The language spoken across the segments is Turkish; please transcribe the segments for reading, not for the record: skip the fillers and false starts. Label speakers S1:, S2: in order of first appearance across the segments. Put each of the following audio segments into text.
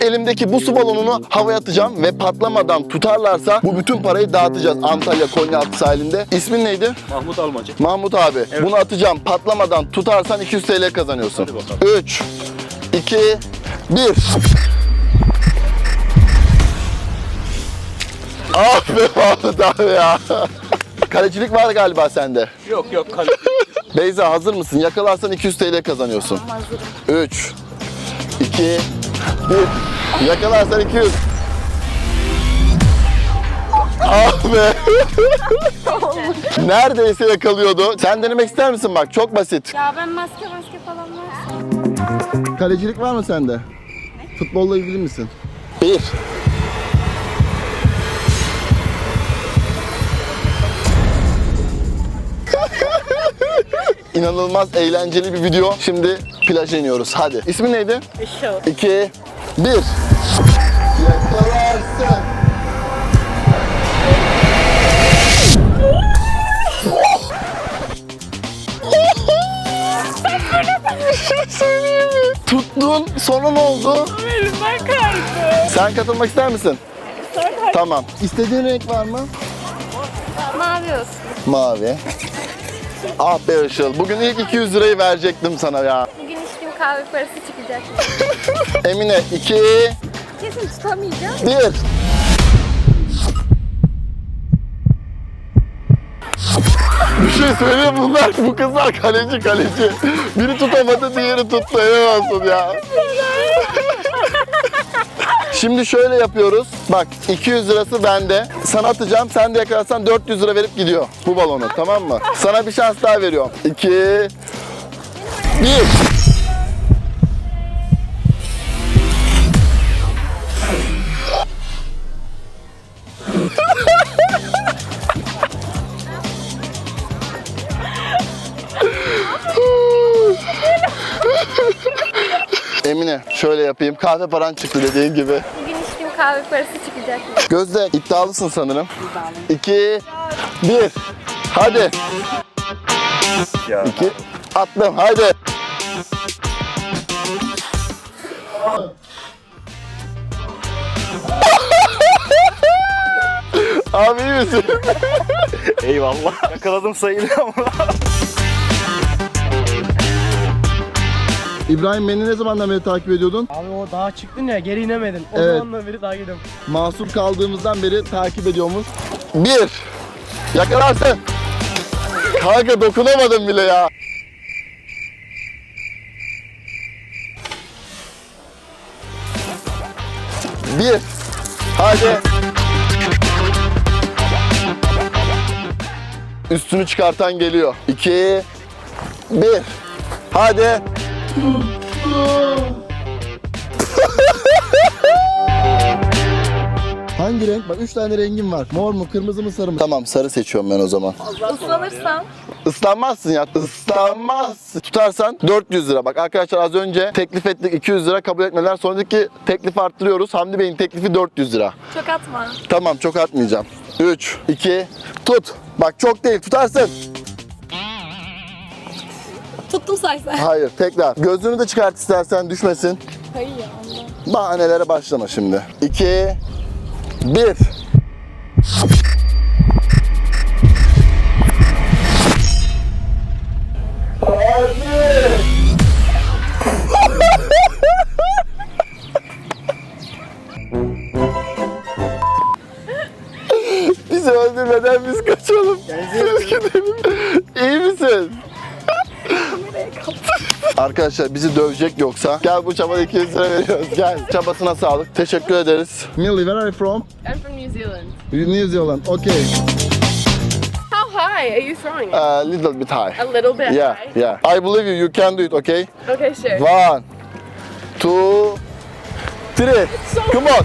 S1: Elimdeki bu su balonunu havaya atacağım ve patlamadan tutarlarsa bu bütün parayı dağıtacağız Antalya Konyaaltı sahilinde. İsmin neydi?
S2: Mahmut Almacı.
S1: Mahmut abi.
S2: Evet.
S1: Bunu atacağım. Patlamadan tutarsan 200 TL kazanıyorsun.
S2: Hadi bakalım.
S1: 3, 2, 1. Ah be Mahmut abi ya. Kalecilik var galiba sende.
S2: Yok kalite.
S1: Beyza hazır mısın? Yakalarsan 200 TL kazanıyorsun.
S3: Hazırım.
S1: 3, 2, 1. Yakalarsan 200. Ah be. Neredeyse yakalıyordu. Sen denemek ister misin bak? Çok basit.
S3: Ya ben maske falan varsa.
S1: Kalecilik var mı sende? Futbolla ilgili misin? 1. İnanılmaz eğlenceli bir video. Şimdi plaja iniyoruz. Hadi. İsmin neydi?
S3: Işıl.
S1: 2, 1. Yakalarsın. Tuttun. Sonra ne oldu?
S3: Elimden kaydı.
S1: Sen katılmak ister misin? Tamam. İstediğin renk var mı?
S3: Mavi olsun.
S1: Mavi. Ah be Işıl. Bugün ilk 200 lirayı verecektim sana ya.
S3: Bugün içtiğim kahve parası çıkacak.
S1: Emine 2,
S3: Kesin tutamayacağım.
S1: 1. Bir şey söyleyeyim bunlar. Bu kızlar kaleci. Biri tutamadı, diğeri tuttu. Helal olsun ya. Şimdi şöyle yapıyoruz. Bak 200 lirası bende. Sana atacağım. Sen de yakalarsan 400 lira verip gidiyor bu balonu. Tamam mı? Sana bir şans daha veriyorum. 2, 1. Emine şöyle yapayım. Kahve paran çıktı dediğin gibi.
S3: Bugün içtiğim kahve parası çıkacak.
S1: Gözde iddialısın sanırım. 2, 1. Hadi.
S2: Ya.
S1: 2. Attım. Hadi. Abi iyi misin?
S2: Eyvallah. Yakaladım sayılır ama.
S1: İbrahim beni ne zamandan beri takip ediyordun?
S4: Abi o dağa çıktın ya geri inemedin. O
S1: Evet.
S4: zamandan beri takip ediyorum.
S1: Mahsur kaldığımızdan beri takip ediyoruz. 1. Yakalarsın. Kanka dokunamadım bile ya. Bir. Hadi. Üstünü çıkartan geliyor. 2, 1. Hadi. Hangi renk? Bak 3 tane rengim var. Mor mu, kırmızı mı, sarı mı? Tamam sarı seçiyorum ben o zaman.
S3: Islanırsam.
S1: Islanmazsın ya. Islanmazsın. Tutarsan 400 lira. Bak arkadaşlar az önce teklif ettik 200 lira kabul etmediler. Sonra dedik ki teklif arttırıyoruz. Hamdi Bey'in teklifi 400 lira.
S3: Çok atma.
S1: Tamam çok atmayacağım. 3, 2, tut. Bak çok değil tutarsın.
S3: Tuttum saysa.
S1: Hayır tekrar. Gözünü de çıkart istersen düşmesin.
S3: Hayır ya ondan.
S1: Bahanelere başlama şimdi. 2, 1. Bizi öldürmeden biz kaçalım. Siz gidelim. İyi misin? Arkadaşlar bizi dövecek yoksa gel bu çabada 200 lira veriyoruz. Gel çabasına sağlık. Teşekkür ederiz. Millie, where are you from?
S5: I'm from New Zealand.
S1: New Zealand. Okay.
S5: How high are you throwing it?
S1: A little bit high.
S5: A little bit
S1: Yeah,
S5: high.
S1: yeah. I believe you. You can do it, okay?
S5: Okay, sure.
S1: 1, 2, 3. Come on.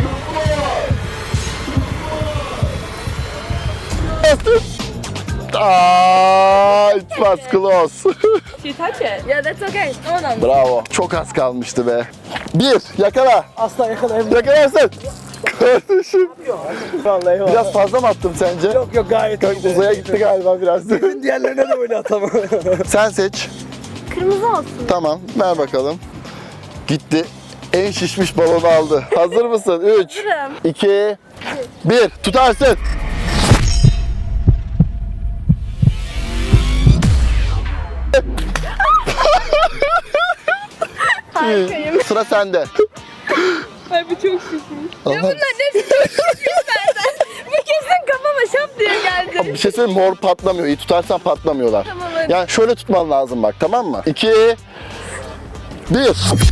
S1: Ah, it was close.
S5: Did you touch it? Yeah, that's okay. Hold on.
S1: Bravo. Çok az kalmıştı be. 1, yakala.
S4: Asla yakalayamıyorum.
S1: Yakalarsın. Kardeşim.
S4: Vallahi eyvallah.
S1: Biraz fazla mı attım sence?
S4: Yok gayet iyi.
S1: Uzaya gitti galiba biraz.
S4: Diğerlerine de böyle atamam.
S1: Sen seç.
S3: Kırmızı olsun.
S1: Tamam, ver bakalım. Gitti. en şişmiş balonu aldı. Hazır mısın? 3, 2, 1. Tutarsın.
S3: Harikayım.
S1: Sıra sende.
S5: Ay bu çok şişmiş.
S1: Allah.
S5: Bunlar hepsi çok şişmiş zaten. Bu kesin kafama şap diye geldi.
S1: Bir şey söyleyeyim, mor patlamıyor. İyi tutarsan patlamıyorlar.
S5: Tamam, hadi.
S1: Yani şöyle tutman lazım bak, tamam mı? 2, 1.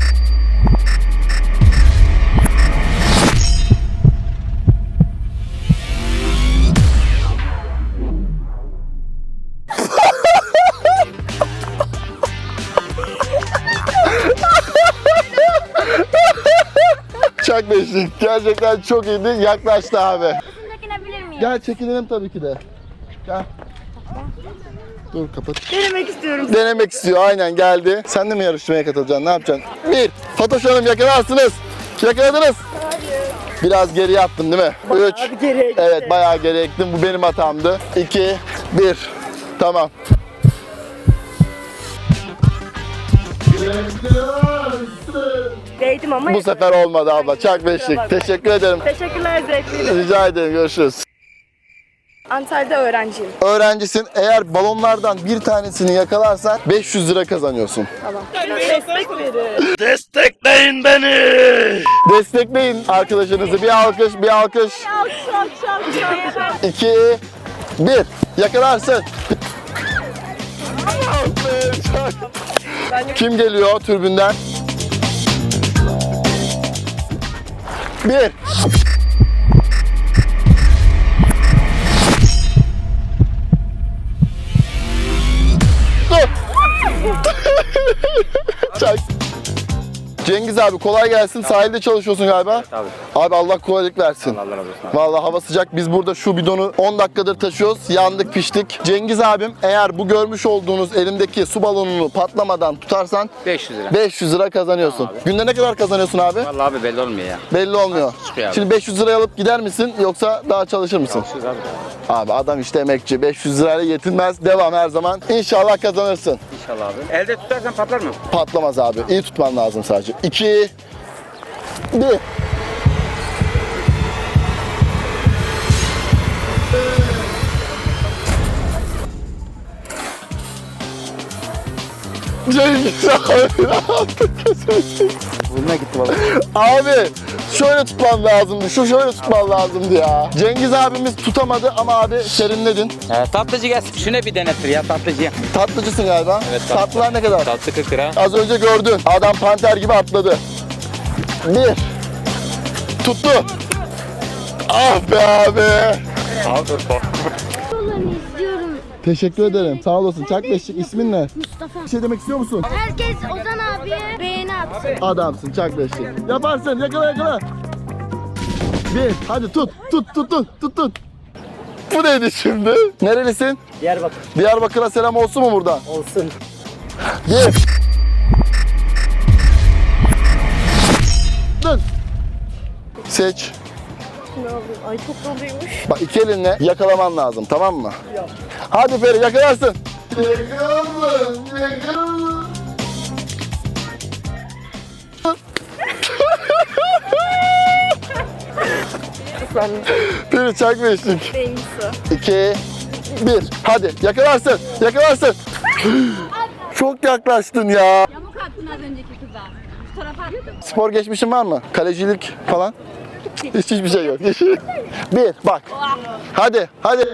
S1: Çak beşlik. Gerçekten çok iyiydi. Yaklaştı abi.
S3: Çekinebilir miyim?
S1: Gel çekinelim tabii ki de. Gel. Dur kapat.
S5: Denemek istiyorum.
S1: Denemek istiyor, aynen geldi. Sen de mi yarışmaya katılacaksın? Ne yapacaksın? 1. Fatoş Hanım yakalarsınız. Yakaladınız. Biraz geriye attım değil mi? 3.
S4: Hadi geriye gitti.
S1: Evet, bayağı geriye gittim. Bu benim hatamdı. 2, 1. Tamam.
S5: Değdim ama.
S1: Bu sefer olmadı abla. Çak beşlik. Teşekkür ederim.
S5: Teşekkürler, zevkliydi.
S1: Rica ederim. Görüşürüz.
S5: Antalya'da öğrenciyim.
S1: Öğrencisin. Eğer balonlardan bir tanesini yakalarsan 500 lira kazanıyorsun.
S5: Destek verin.
S1: Destekleyin arkadaşınızı. Bir alkış, bir alkış. 2, 1. Yakalarsın. Kim geliyor türbünden? 1. Dur. Çak. Cengiz abi kolay gelsin. Sahilde çalışıyorsun galiba.
S2: Abi.
S1: Abi Allah kolaylık versin.
S2: Allah razı olsun abi.
S1: Vallahi hava sıcak. Biz burada şu bidonu 10 dakikadır taşıyoruz. Yandık, piştik. Cengiz abim, eğer bu görmüş olduğunuz elimdeki su balonunu patlamadan tutarsan
S2: 500 lira.
S1: 500 lira kazanıyorsun. Günde ne kadar kazanıyorsun abi?
S2: Vallahi abi belli olmuyor ya.
S1: Belli olmuyor.
S2: çıkıyor abi.
S1: Şimdi 500 liraya alıp gider misin yoksa daha çalışır mısın?
S2: 500 abi.
S1: Abi adam işte emekçi. 500 lirayla yetinmez. Devam her zaman. İnşallah kazanırsın.
S2: İnşallah abi. Elde tutarsan patlar mı?
S1: Patlamaz abi. İyi tutman lazım sadece. 2, 1. Cengiz abi ne yaptın?
S2: Burnuna gitti valla.
S1: Abi şöyle tutman lazımdı. Şöyle tutman lazımdı ya. Cengiz abimiz tutamadı ama abi serinledin.
S6: Tatlıcı gelsin. Şuna bir denetir ya tatlıcıya.
S1: Tatlıcısın galiba.
S6: Evet, tatlı.
S1: Tatlılar ne kadar?
S6: Tatlı 40 lira.
S1: Az önce gördün. Adam panter gibi atladı. 1. Tuttu. Ah be abi.
S6: Al dur bak.
S3: izliyorum.
S1: Teşekkür ederim. Sağ olasın. Çak beşlik. İsmin ne?
S3: Mustafa.
S1: Bir şey demek istiyor musun?
S3: Herkes Ozan abiye beğeni atsın.
S1: Adamsın. Çak beşlik. Yaparsın. Yakala yakala. 1. Hadi tut. Tut. Bu neydi şimdi? Nerelisin?
S4: Diyarbakır
S1: Diyarbakır'a selam olsun mu buradan?
S4: olsun.
S1: 1. Dön. Seç.
S5: Ay çok doluymuş.
S1: Bak iki elinle yakalaman lazım, tamam mı? Hadi Feri yakalarsın. Yakaladın. Feri çak beşlik.
S5: Beyni su.
S1: 2, 1. Hadi yakalarsın. Çok yaklaştın ya.
S3: Yamuk attın az önceki kıza. Şu tarafa attım.
S1: Spor geçmişin var mı? Kalecilik falan? Hiçbir şey yok. 1. Bak. Hadi.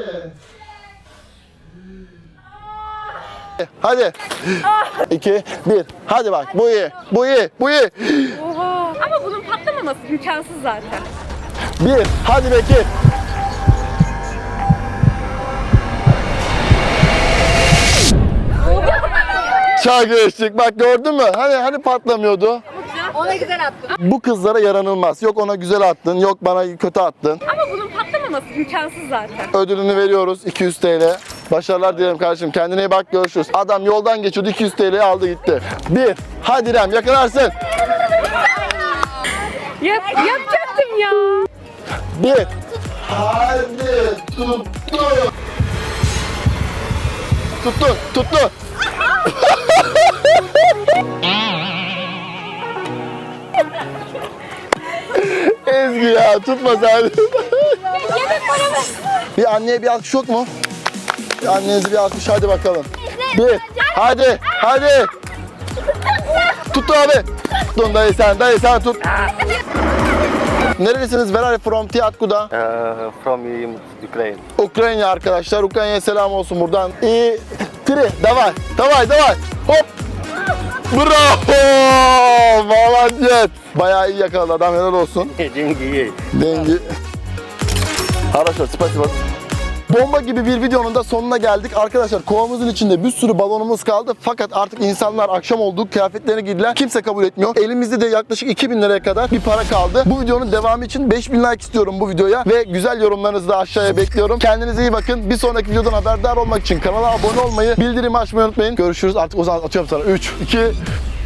S1: Hadi. 2, 1. Hadi bak. Bu iyi.
S5: Oha. Ama bunun patlamaması imkansız zaten.
S1: 1. Hadi Bekir. Çay geçtik. Bak gördün mü? Hani patlamıyordu.
S5: Ona güzel attın.
S1: Bu kızlara yaranılmaz. Yok ona güzel attın, yok bana kötü attın.
S5: Ama bunun patlamaması imkansız zaten.
S1: Ödülünü veriyoruz 200 TL. Başarılar dilerim kardeşim. Kendine iyi bak, görüşürüz. Adam yoldan geçiyordu, 200 TL'yi aldı gitti. 1. Hadi İrem yakalarsın.
S5: Yapacaktım ya.
S1: 1. Hadi tuttu. Ezgi ya tutma sen.
S3: Yemek paramı.
S1: Bir anneye bir alkış yok mu? Bir annenize bir alkış hadi bakalım. Bir. Hadi. Hadi. Tut abi. Tut dayı sen tut. Nerelisiniz? Where are you from? Tiatku'da.
S2: From Ukraine.
S1: Ukrayna arkadaşlar. Ukrayna'ya selam olsun buradan. İyi. Tri. Davay. Hop. Bravo. Malatyet. Bayağı iyi yakaladı adam. Helal olsun. Dengi. Arkadaşlar spasiba. Bomba gibi bir videonun da sonuna geldik. Arkadaşlar kovamızın içinde bir sürü balonumuz kaldı. Fakat artık insanlar akşam oldu. Kıyafetlerini giydiler. Kimse kabul etmiyor. Elimizde de yaklaşık 2000 liraya kadar bir para kaldı. Bu videonun devamı için 5000 like istiyorum bu videoya. Ve güzel yorumlarınızı da aşağıya bekliyorum. Kendinize iyi bakın. Bir sonraki videodan haberdar olmak için kanala abone olmayı, bildirimi açmayı unutmayın. Görüşürüz. Artık o zaman atıyorum sana. 3, 2,